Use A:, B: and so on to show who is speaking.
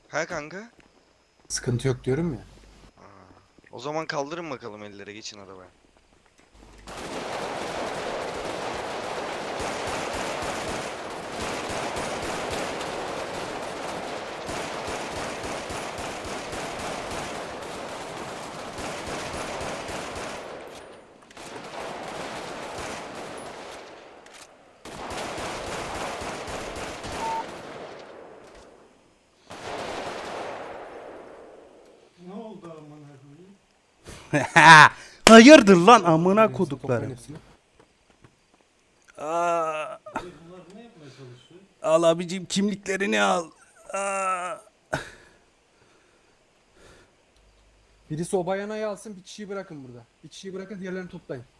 A: Ha kanka?
B: Sıkıntı yok diyorum ya.
A: Aa, o zaman kaldırın bakalım ellere, geçin arabaya.
C: Ne oldu amına koyayım?
D: Hayırdır lan amına
B: Toplayın
D: koduklarım.
B: hepsini.
D: Aa,
C: Dayı bunlar ne yapmaya çalışıyor?
D: al abicim kimliklerini al. Aa.
B: Birisi o bayanayı alsın, bir kişiyi bırakın burada. Bir kişiyi bırakın, diğerlerini toplayın.